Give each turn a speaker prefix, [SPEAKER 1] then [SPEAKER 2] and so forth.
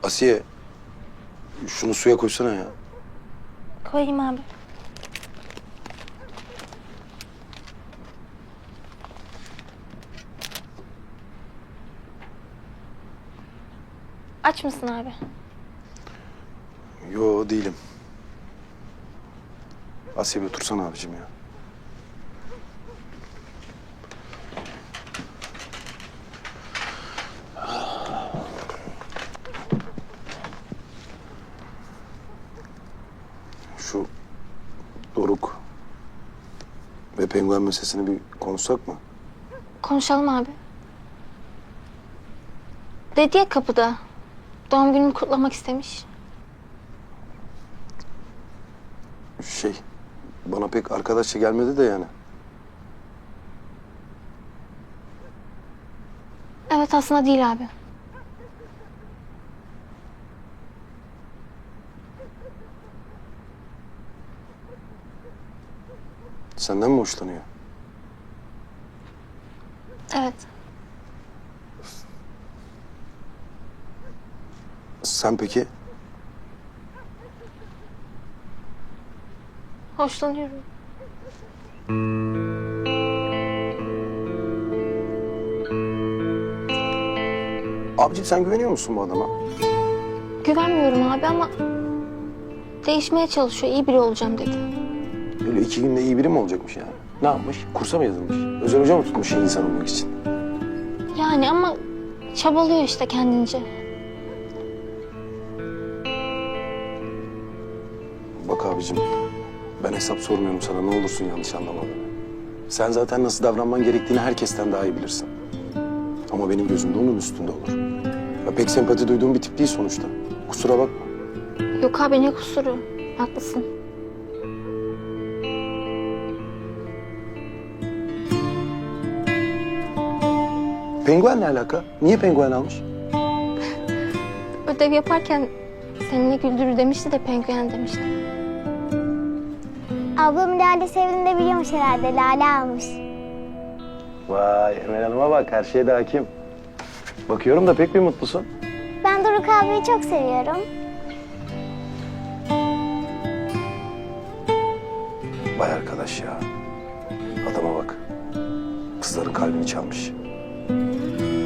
[SPEAKER 1] Asiye, şunu suya koysana ya.
[SPEAKER 2] Koyayım abi. Aç mısın abi?
[SPEAKER 1] Yo, değilim. Asiye, bir otursana abicim ya. Şu Doruk ve penguen meselesini bir konuşsak mı?
[SPEAKER 2] Konuşalım abi. Dedi ya kapıda. Doğum günümü kutlamak istemiş.
[SPEAKER 1] Bana pek arkadaşça gelmedi de yani.
[SPEAKER 2] Evet, aslında değil abi.
[SPEAKER 1] Senden mi hoşlanıyor?
[SPEAKER 2] Evet.
[SPEAKER 1] Sen peki?
[SPEAKER 2] Hoşlanıyorum.
[SPEAKER 1] Abicim, sen güveniyor musun bu adama?
[SPEAKER 2] Güvenmiyorum abi ama değişmeye çalışıyor. İyi biri olacağım dedi.
[SPEAKER 1] Öyle 2 günde iyi biri mi olacakmış yani? Ne yapmış? Kursa mı yazılmış? Özel hoca mı tutmuş iyi insan olmak için?
[SPEAKER 2] Yani ama çabalıyor işte kendince.
[SPEAKER 1] Bak abicim, ben hesap sormuyorum sana, ne olursun yanlış anlama beni. Sen zaten nasıl davranman gerektiğini herkesten daha iyi bilirsin. Ama benim gözümde onun üstünde olur. Ya pek sempati duyduğum bir tip değil sonuçta. Kusura bakma.
[SPEAKER 2] Yok abi, ne kusuru. Haklısın.
[SPEAKER 1] Penguen ne alaka? Niye penguen almış?
[SPEAKER 2] Ödev yaparken seni güldürür demişti de penguen demişti.
[SPEAKER 3] Ablam Lale sevdiğini de biliyormuş herhalde. Lale almış.
[SPEAKER 1] Vay, Emel Hanım'a bak, her şeye de hakim. Bakıyorum da pek bir mutlusun.
[SPEAKER 3] Ben Doruk abiyi çok seviyorum.
[SPEAKER 1] Vay arkadaş ya. Adama bak. Kızların kalbini çalmış.